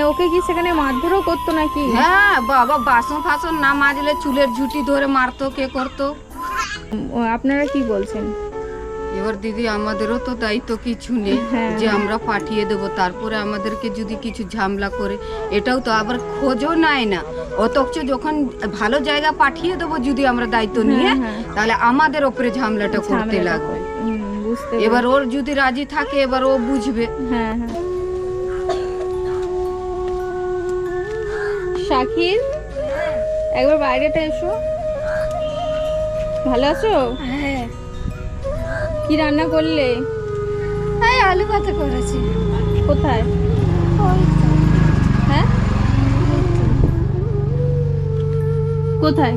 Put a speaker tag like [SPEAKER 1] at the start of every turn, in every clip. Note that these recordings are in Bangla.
[SPEAKER 1] ওকে কি সেখানে মারধরও করতো নাকি?
[SPEAKER 2] হ্যাঁ বাবা, বাসন ফাসন না মাজলে চুলের ঝুঁটি ধরে মারতো, কে করতো।
[SPEAKER 1] আপনারা কি বলছেন?
[SPEAKER 2] এবার দিদি আমাদেরও তো দায়িত্ব কিছু নেই যে আমরা পাঠিয়ে দেব, তারপরে আমাদেরকে যদি কিছু ঝামেলা করে, এটাও তো আবার খোঁজও নেয় না। অথচ যখন ভালো জায়গা পাঠিয়ে দেবো যদি আমরা দায়িত্ব নিয়ে, তাহলে আমাদের ওপরে ঝামেলাটা করতে লাগবে। এবার ওর যদি রাজি থাকে এবার ও বুঝবে।
[SPEAKER 1] হ্যাঁ হ্যাঁ। শাকির, একবার বাইরেটা এসো। ভালো আছো?
[SPEAKER 3] হ্যাঁ।
[SPEAKER 1] কি রান্না করলে?
[SPEAKER 3] এই আলু ভাতে করেছি।
[SPEAKER 1] কোথায়? হ্যাঁ, কোথায়?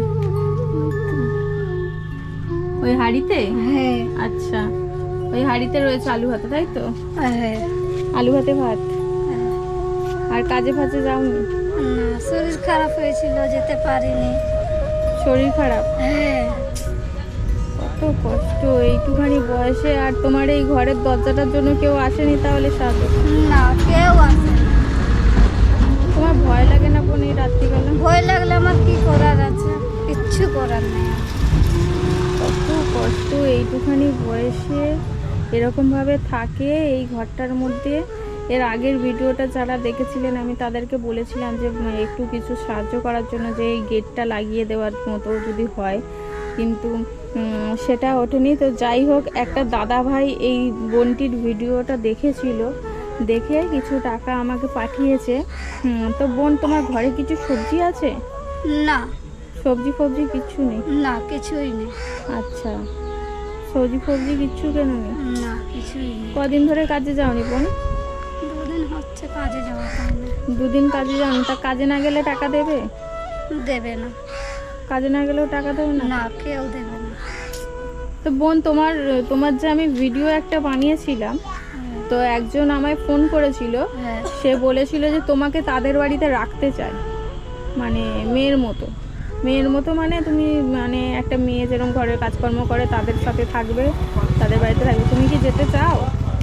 [SPEAKER 1] ওই হাঁড়িতে?
[SPEAKER 3] হ্যাঁ।
[SPEAKER 1] আচ্ছা, ওই হাঁড়িতে রয়েছে আলু ভাতে, তাই তো?
[SPEAKER 3] হ্যাঁ।
[SPEAKER 1] আলু ভাতে ভাত। আর কাজে ফাজে যাওনি?
[SPEAKER 3] না, শরীর খারাপ হয়েছিল, যেতে পারিনি।
[SPEAKER 1] শরীর খারাপ?
[SPEAKER 3] হ্যাঁ।
[SPEAKER 1] কত কষ্ট এইটুখানি বয়সে। আর তোমার এই ঘরের দরজাটার জন্য কেউ আসেনি তাহলে সাথে?
[SPEAKER 3] না, কেউ আসে না।
[SPEAKER 1] তোমার ভয় লাগে না বোন এই রাত্রিবেলা?
[SPEAKER 3] ভয় লাগলে আমার কি করার আছে, কিচ্ছু করার নেই।
[SPEAKER 1] কত কষ্ট এইটুখানি বয়সে এরকম ভাবে থাকে এই ঘরটার মধ্যে। এর আগের ভিডিওটা যারা দেখেছিলেন আমি তাদেরকে বলেছিলাম যে একটু কিছু সাহায্য করার জন্য, যে এই গেটটা লাগিয়ে দেওয়ার মতো যদি হয়, কিন্তু সেটা ওঠেনি। তো যাই হোক, একটা দাদা ভাই এই বোনটির ভিডিওটা দেখেছিল, দেখে কিছু টাকা আমাকে পাঠিয়েছে। তো বোন, তোমার ঘরে কিছু সবজি আছে?
[SPEAKER 3] না।
[SPEAKER 1] সবজি ফবজি কিচ্ছু নেই?
[SPEAKER 3] না, কিছুই নেই।
[SPEAKER 1] আচ্ছা, সবজি ফবজি কিচ্ছু কেন নেই?
[SPEAKER 3] না, কিছুই নেই।
[SPEAKER 1] কদিন ধরে কাজে যাওনি বোন?
[SPEAKER 3] 2 দিন হচ্ছে কাজে যাওয়া হয় না।
[SPEAKER 1] 2 দিন কাজে যাওনি, তা কাজে না গেলে টাকা দেবে?
[SPEAKER 3] দেবে না।
[SPEAKER 1] কাজে না গেলেও টাকা দেবে না?
[SPEAKER 3] না, কেউ দেবে না।
[SPEAKER 1] তো বোন, তোমার যে আমি ভিডিও একটা বানিয়েছিলাম, তো একজন আমায় ফোন করেছিল।
[SPEAKER 3] হ্যাঁ।
[SPEAKER 1] সে বলেছিল যে তোমাকে তাদের বাড়িতে রাখতে চায়, মানে মেয়ের মতো। মেয়ের মতো মানে তুমি মানে একটা মেয়ে যেরকম ঘরের কাজকর্ম করে তাদের সাথে থাকবে, তাদের বাড়িতে থাকবে। তুমি কি যেতে চাও?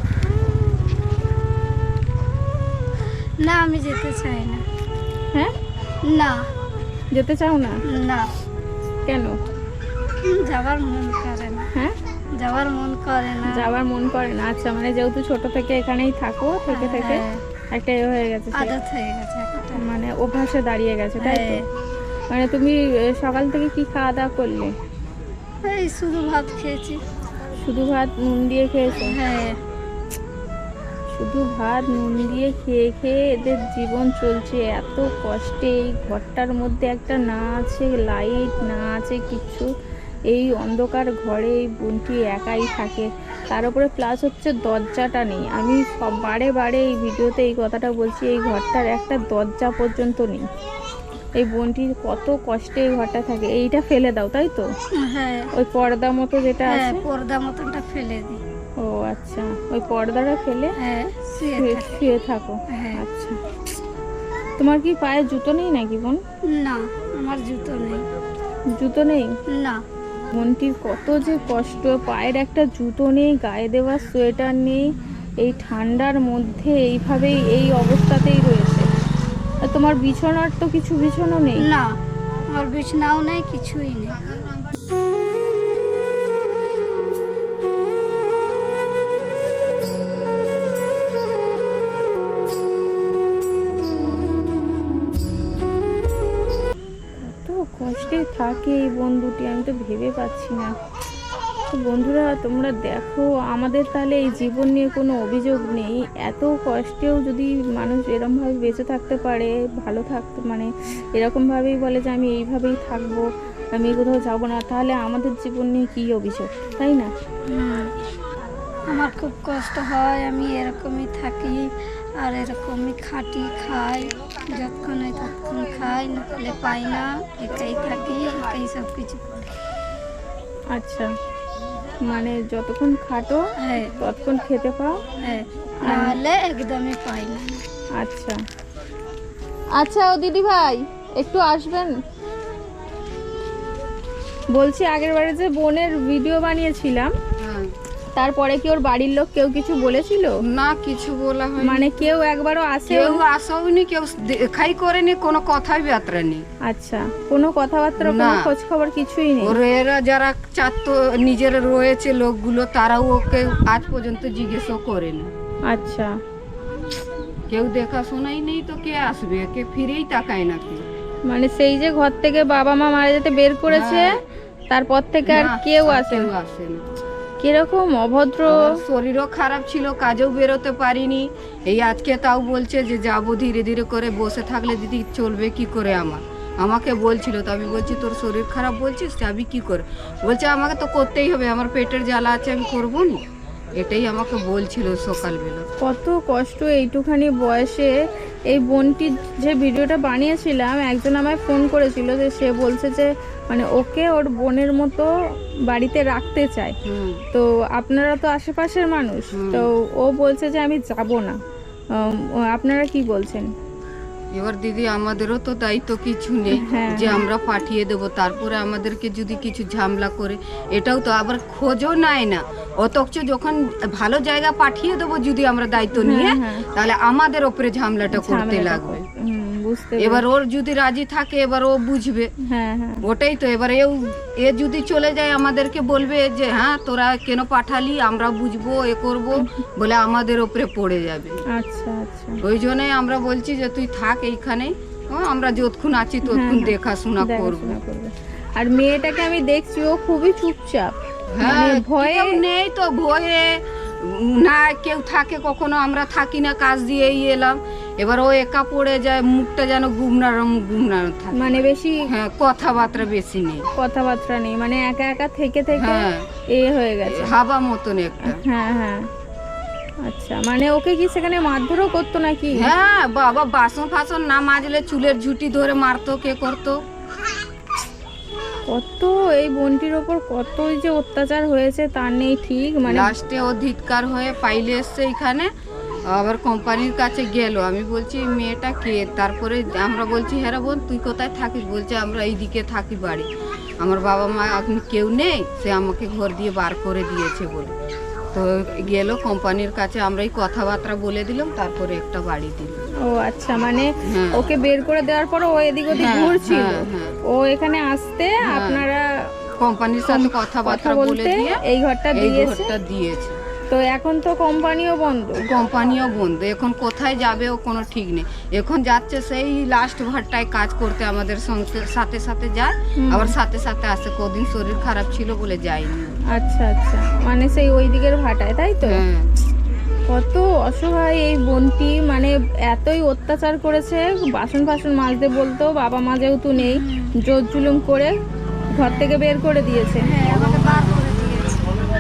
[SPEAKER 3] না, আমি যেতে চাই না।
[SPEAKER 1] হ্যাঁ,
[SPEAKER 3] না।
[SPEAKER 1] যেতে চাও না?
[SPEAKER 3] না,
[SPEAKER 1] কেন?
[SPEAKER 3] যাবার মন করে না।
[SPEAKER 1] হ্যাঁ,
[SPEAKER 3] যাবার মন করে না।
[SPEAKER 1] যাওয়ার মন করে না। আচ্ছা, মানে যেহেতু ছোট থেকে এখানেই থাকো, থেকে থেকে একটা এ হয়ে গেছে,
[SPEAKER 3] আদত হয়ে গেছে একটা।
[SPEAKER 1] মানে অভ্যাসে দাঁড়িয়ে গেছে, তাই তো? মানে তুমি সকাল থেকে কি খাওয়া দাওয়া করলে?
[SPEAKER 3] এই শুধু ভাত খেয়েছি।
[SPEAKER 1] শুধু ভাত নুন দিয়ে খেয়েছো?
[SPEAKER 3] হ্যাঁ।
[SPEAKER 1] শুধু ভাত নুন দিয়ে খেয়ে খেয়ে এদের জীবন চলছে এত কষ্টে। এই ঘরটার মধ্যে একটা না আছে লাইট, না আছে কিচ্ছু। এই অন্ধকার ঘরে এই বোনটি একাই থাকে। তার উপরে প্লাস হচ্ছে দরজাটা নেই। আমি সব বারে বারে এই ভিডিওতে এই কথাটা বলছি, এই ঘরটার একটা দরজা পর্যন্ত নেই। এই বোনটির কত কষ্টে এই ঘরটা থাকে। এইটা ফেলে দাও, তাই তো?
[SPEAKER 3] হ্যাঁ।
[SPEAKER 1] ওই পর্দা মতো যেটা আছে,
[SPEAKER 3] পর্দা মতনটা ফেলে দিই।
[SPEAKER 1] ও আচ্ছা, ওই পর্দাটা ফেলে শুয়ে থাকো। আচ্ছা, তোমার কি পায়ে জুতো নেই নাকি বোন?
[SPEAKER 3] না, আমার জুতো নেই।
[SPEAKER 1] জুতো নেই?
[SPEAKER 3] না।
[SPEAKER 1] বোনটির কত যে কষ্ট, পায়ের একটা জুতো নেই, গায়ে দেওয়ার সোয়েটার নেই, এই ঠান্ডার মধ্যে এইভাবেই এই অবস্থাতেই রয়েছে। আর তোমার বিছানার তো কিছু বিছানা নেই?
[SPEAKER 3] না, আমার বিছানাও নেই, কিছুই নেই।
[SPEAKER 1] কষ্টে থাকে এই বন্ধুটি, আমি তো ভেবে পাচ্ছি না। তো বন্ধুরা, তোমরা দেখো, আমাদের তাহলে এই জীবন নিয়ে কোনো অভিযোগ নেই। এত কষ্টেও যদি মানুষ এরকমভাবে বেঁচে থাকতে পারে, ভালো থাকতে, মানে এরকমভাবেই বলে যে আমি এইভাবেই থাকবো, আমি কোথাও যাবো না, তাহলে আমাদের জীবন নিয়ে কী অভিযোগ, তাই না?
[SPEAKER 3] আমার খুব কষ্ট হয়, আমি এরকমই থাকি আর এরকমই খাটি, খাই, যতক্ষণ হয় ততক্ষণ খাই, না হলে পাই না, একাই থাকি, একাই সব কিছু।
[SPEAKER 1] আচ্ছা, মানে যতক্ষণ খাটো ততক্ষণ খেতে পাও?
[SPEAKER 3] নাহলে একদমই পাই না।
[SPEAKER 1] আচ্ছা আচ্ছা, ও দিদি ভাই একটু আসবেন। বলছি, আগের বারে যে বোনের ভিডিও বানিয়েছিলাম, তারপরে কি ওর বাড়ির লোক কেউ কিছু বলেছিল?
[SPEAKER 2] না, কিছু বলা হয়
[SPEAKER 1] মানে কেউ একবারও আসে?
[SPEAKER 2] কেউ আসাওনি, কেউ দেখাই করেনি, কোনো কথাই বার্তা নেই।
[SPEAKER 1] আচ্ছা, কোনো কথাবার্তা, কোনো
[SPEAKER 2] না।
[SPEAKER 1] খোঁজ খবর কিছুই নেই?
[SPEAKER 2] ওর এরা যারা চারতো নিজের রয়েছে লোকগুলো, তারাও ওকে আজ পর্যন্ত জিজ্ঞেসও করেনি।
[SPEAKER 1] আচ্ছা,
[SPEAKER 2] কেউ দেখাশোনাই নেই তো কে আসবে, কে ফিরেই তাকায় না কেউ।
[SPEAKER 1] মানে সেই যে ঘর থেকে বাবা মা মারা যেতে বের করেছে
[SPEAKER 2] হ্যাঁ।
[SPEAKER 1] তারপর থেকে আর
[SPEAKER 2] না,
[SPEAKER 1] কেউ
[SPEAKER 2] আর
[SPEAKER 1] আসে
[SPEAKER 2] কেউ
[SPEAKER 1] না?
[SPEAKER 2] আসে না।
[SPEAKER 1] কিরকম অভদ্র!
[SPEAKER 2] আমার শরীরও খারাপ ছিল, কাজেও বেরোতে পারিনি। এই আজকে তাও বলছে যে যাবো, ধীরে ধীরে করে বসে থাকলে দিদি চলবে কি করে। আমাকে বলছিল, তো আমি বলছি তোর শরীর খারাপ বলছিস, যাবি কি করে? বলছে আমাকে তো করতেই হবে, আমার পেটের জ্বালা আছে, আমি করবো না। এটাই আমাকে বলছিল সকালবেলা।
[SPEAKER 1] কত কষ্ট এইটুখানি বয়সে। এই বোনটির যে ভিডিওটা বানিয়েছিলাম, একজন আমায় ফোন করেছিল, যে সে বলছে যে মানে ওকে ওর বোনের মতো বাড়িতে রাখতে চায়। তো আপনারা তো আশেপাশের মানুষ, তো ও বলছে যে আমি যাব না। আপনারা কি বলছেন?
[SPEAKER 2] এবার দিদি আমাদেরও তো দায়িত্ব কিছু নেই
[SPEAKER 1] হ্যাঁ,
[SPEAKER 2] যে আমরা পাঠিয়ে দেব, তারপরে আমাদেরকে যদি কিছু ঝামেলা করে, এটাও তো আবার খোঁজও নেয় না। অথচ যখন ভালো জায়গা পাঠিয়ে দেবো যদি আমরা দায়িত্ব নিয়ে,
[SPEAKER 1] হ্যাঁ।
[SPEAKER 2] তাহলে আমাদের ওপরে ঝামেলাটা করতে
[SPEAKER 1] ঝামেলাটা
[SPEAKER 2] লাগবে।
[SPEAKER 1] বুঝতে
[SPEAKER 2] এবার ওর যদি রাজি থাকে, এবার ও বুঝবে।
[SPEAKER 1] হ্যাঁ, হ্যাঁ,
[SPEAKER 2] ওটাই তো। এবার এ যদি চলে যায় আমাদেরকে বলবে যে হ্যাঁ তোরা কেন পাঠালি, আমরা বুঝবো, এ করব বলে আমাদের ওপরে পড়ে যাবে।
[SPEAKER 1] আচ্ছা, আচ্ছা,
[SPEAKER 2] ওই জন্যই আমরা বলছি যে তুই থাক এইখানেই, আমরা যতক্ষণ আছি ততক্ষণ দেখাশোনা করবো।
[SPEAKER 1] দেখাশোনা করবে। আর মেয়েটাকে আমি দেখছি ও খুবই চুপচাপ,
[SPEAKER 2] হ্যাঁ,
[SPEAKER 1] মানে ভয়ে
[SPEAKER 2] কেউ নেই তো, ভয়ে না কেউ থাকে, কখনো আমরা থাকি না, কাজ দিয়েই এলাম। এবার ও একা পড়ে যায়, মুখটা যেন গুমনার থাকে,
[SPEAKER 1] মানে বেশি
[SPEAKER 2] হ্যাঁ, কথাবার্তা বেশি নেই,
[SPEAKER 1] কথাবার্তা নেই, মানে একা একা থেকে থেকে
[SPEAKER 2] হ্যাঁ,
[SPEAKER 1] এ হয়ে গেছে।
[SPEAKER 2] হাবা মতন একটা।
[SPEAKER 1] হ্যাঁ, হ্যাঁ, আচ্ছা, মানে ওকে কি সেখানে মারধরও করতো নাকি?
[SPEAKER 2] হ্যাঁ বাবা, বাসন ফাসন না মাজলে চুলের ঝুঁটি ধরে মারতো, কে করতো।
[SPEAKER 1] কত এই বোনটির ওপর কতই যে অত্যাচার হয়েছে তার নেই ঠিক। মানে
[SPEAKER 2] লাস্টে ও ধিৎকার হয়ে পাইলে এসছে এখানে, আবার কোম্পানির কাছে গেল। আমি বলছি মেয়েটা কে? তারপরে আমরা বলছি হ্যাঁ রে বোন তুই কোথায় থাকিস? বলছে আমরা এইদিকে থাকি বাড়ি, আমার বাবা মা এখন কেউ নেই, সে আমাকে ঘর দিয়ে বার করে দিয়েছে বলে। তো গেল কোম্পানির কাছে, আমরা এই কথাবার্তা বলে দিলাম, তারপরে একটা বাড়ি দিল।
[SPEAKER 1] ও আচ্ছা, মানে
[SPEAKER 2] হ্যাঁ।
[SPEAKER 1] ওকে বের করে দেওয়ার পর ও এদিক ওদিক
[SPEAKER 2] হ্যাঁ,
[SPEAKER 1] ঘুরছিল,
[SPEAKER 2] হ্যাঁ, হ্যাঁ।
[SPEAKER 1] ও এখানে আসতে কথাবার্তা
[SPEAKER 2] কোম্পানির সাথে কথাবার্তা বলে
[SPEAKER 1] বলতে
[SPEAKER 2] দিয়ে
[SPEAKER 1] এই ঘরটা
[SPEAKER 2] এই
[SPEAKER 1] দিয়েছে।
[SPEAKER 2] ঘরটা দিয়েছে।
[SPEAKER 1] তো এখন তো কোম্পানিও বন্ধ।
[SPEAKER 2] কোম্পানিও বন্ধ, এখন কোথায় যাবে ও কোনো ঠিক নেই। এখন যাচ্ছে সেই লাস্ট ঘরটায় কাজ করতে, আমাদের সঙ্গে সাথে সাথে যায়, আবার সাথে সাথে আসে। কদিন শরীর খারাপ ছিল বলে যায়নি।
[SPEAKER 1] আচ্ছা, আচ্ছা, মানে সেই ওই দিকের ভাটায়, তাই তো?
[SPEAKER 2] হ্যাঁ,
[SPEAKER 1] কত অসহায় এই বোনটি, মানে এতই অত্যাচার করেছে। বাসন ফাসন মাজতে বলতো, বাবা মা যেহেতু নেই, জোর জুলুম করে ঘর থেকে বের করে দিয়েছে।
[SPEAKER 3] হ্যাঁ, আমাকে বার করে দিয়েছে।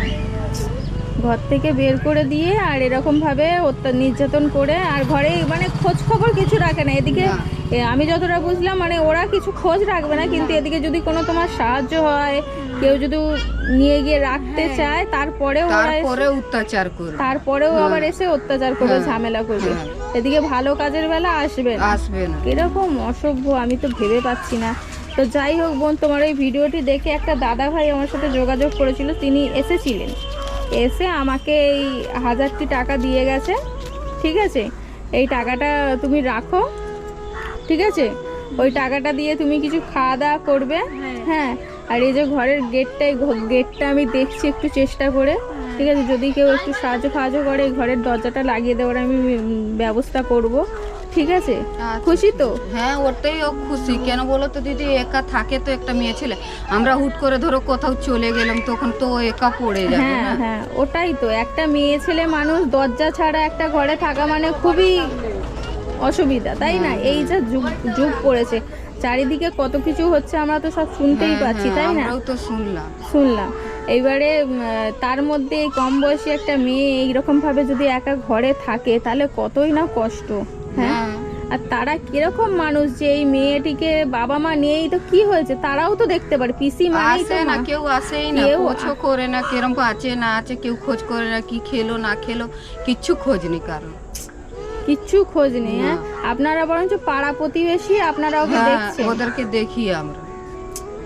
[SPEAKER 1] ঘর থেকে বের করে দিয়ে আর এরকম ভাবে নির্যাতন করে, আর ঘরে মানে খোঁজ খবর কিছু রাখে না। এদিকে
[SPEAKER 2] না।
[SPEAKER 1] আমি যতটা বুঝলাম, মানে ওরা কিছু খোঁজ রাখবে না, কিন্তু এদিকে যদি কোনো তোমার সাহায্য হয়, কেউ যদি নিয়ে গিয়ে রাখতে চায়, তারপরেও
[SPEAKER 2] অত্যাচার করে,
[SPEAKER 1] তারপরেও আবার এসে অত্যাচার করবে,
[SPEAKER 2] হ্যাঁ,
[SPEAKER 1] ঝামেলা করবে।
[SPEAKER 2] হ্যাঁ।
[SPEAKER 1] এদিকে ভালো কাজের বেলা আসবে না। এরকম অসভ্য, আমি তো ভেবে পাচ্ছি না। তো যাই হোক বোন, তোমার এই ভিডিওটি দেখে একটা দাদা ভাই আমার সাথে যোগাযোগ করেছিল, তিনি এসেছিলেন, এসে আমাকে এই 1000টি টাকা দিয়ে গেছে। ঠিক আছে, এই টাকাটা তুমি রাখো, ঠিক আছে? ওই টাকাটা দিয়ে তুমি কিছু খাওয়া দাওয়া করবে। হ্যাঁ, আর এই যে ঘরের গেটটা আমি দেখছি একটু চেষ্টা করে, ঠিক আছে? যদি কেউ একটু সাহায্য করে, এই ঘরের দরজাটা লাগিয়ে দেওয়ার আমি ব্যবস্থা করব, ঠিক আছে? খুশি তো?
[SPEAKER 2] হ্যাঁ, ওটাই ও খুশি। কেন বলো তো দিদি, একা থাকে তো একটা মেয়ে ছেলে, আমরা হুট করে ধরো কোথাও চলে গেলাম, তখন তো ও একা পড়ে যাবে
[SPEAKER 1] হ্যাঁ,
[SPEAKER 2] না।
[SPEAKER 1] হ্যাঁ, ওটাই তো। একটা মেয়ে ছেলে মানুষ দরজা ছাড়া একটা ঘরে থাকা মানে খুবই অসুবিধা, তাই না? এই যে যুগ পড়েছে, চারিদিকে কত কিছু হচ্ছে, আমরা তো সব শুনতেই পাচ্ছি, তাই না?
[SPEAKER 2] আমরাও তো
[SPEAKER 1] শুনলাম। এইবারে তার মধ্যে এই কম বয়সী একটা মেয়ে এইরকম ভাবে যদি একা ঘরে থাকে, তাহলে কতই না কষ্ট। হ্যাঁ, আর তারা কিরকম মানুষ যে এই মেয়েটিকে বাবা মা নেই তো কি হয়েছে, তারাও তো দেখতে পারে। পিসি মানেই তো
[SPEAKER 2] না, কেউ আসেই না, খোঁজও করে না, কিরম আছে না আছে কেউ খোঁজ করে না, কি খেলো না খেলো কিচ্ছু খোঁজ নেই, কারণ
[SPEAKER 1] কিচ্ছু খোঁজ নেই। হ্যাঁ, আপনারা বরঞ্চ পাড়া প্রতিবেশী, আপনারা ওকে দেখছেন।
[SPEAKER 2] ওদেরকে দেখি আমরা।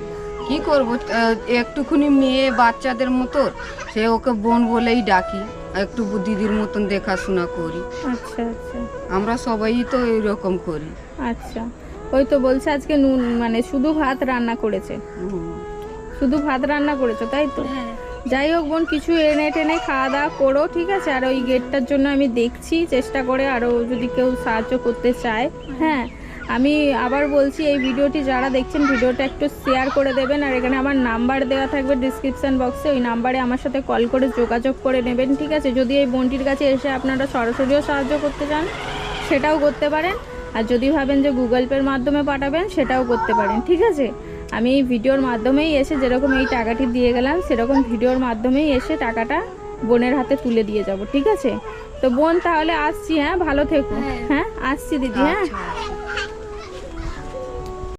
[SPEAKER 2] কি করব, একটুখানি মেয়ে বাচ্চাদের মতো, সে ওকে বোন বলেই ডাকি, একটু দিদির মতন দেখাশোনা করি।
[SPEAKER 1] আচ্ছা আচ্ছা
[SPEAKER 2] আমরা সবাই তো এরকম করি।
[SPEAKER 1] আচ্ছা, ওই তো বলছে আজকে নুন মানে শুধু ভাত রান্না করেছে, শুধু ভাত রান্না করেছো তাই তো?
[SPEAKER 3] হ্যাঁ
[SPEAKER 1] যাই হোক বোন, কিছু এনে টেনে খাওয়া দাওয়া করো, ঠিক আছে? আর ওই গেটটার জন্য আমি দেখছি চেষ্টা করে, আরও যদি কেউ সাহায্য করতে চায়। হ্যাঁ, আমি আবার বলছি, এই ভিডিওটি যারা দেখছেন ভিডিওটা একটু শেয়ার করে দেবেন, আর এখানে আমার নাম্বার দেওয়া থাকবে ডিসক্রিপশান বক্সে, ওই নাম্বারে আমার সাথে কল করে যোগাযোগ করে নেবেন, ঠিক আছে? যদি এই বোনটির কাছে এসে আপনারা সরাসরিও সাহায্য করতে চান সেটাও করতে পারেন, আর যদি ভাবেন যে গুগল পের মাধ্যমে পাঠাবেন সেটাও করতে পারেন, ঠিক আছে? আমি এই ভিডিওর মাধ্যমেই এসে যেরকম এই টাকাটি দিয়ে গেলাম সেরকম ভিডিওর মাধ্যমেই এসে টাকাটা বোনের হাতে তুলে দিয়ে যাব, ঠিক আছে? তো বোন তাহলে আসছি, হ্যাঁ ভালো থেকো। হ্যাঁ আসছি দিদি, হ্যাঁ।
[SPEAKER 2] আচ্ছা।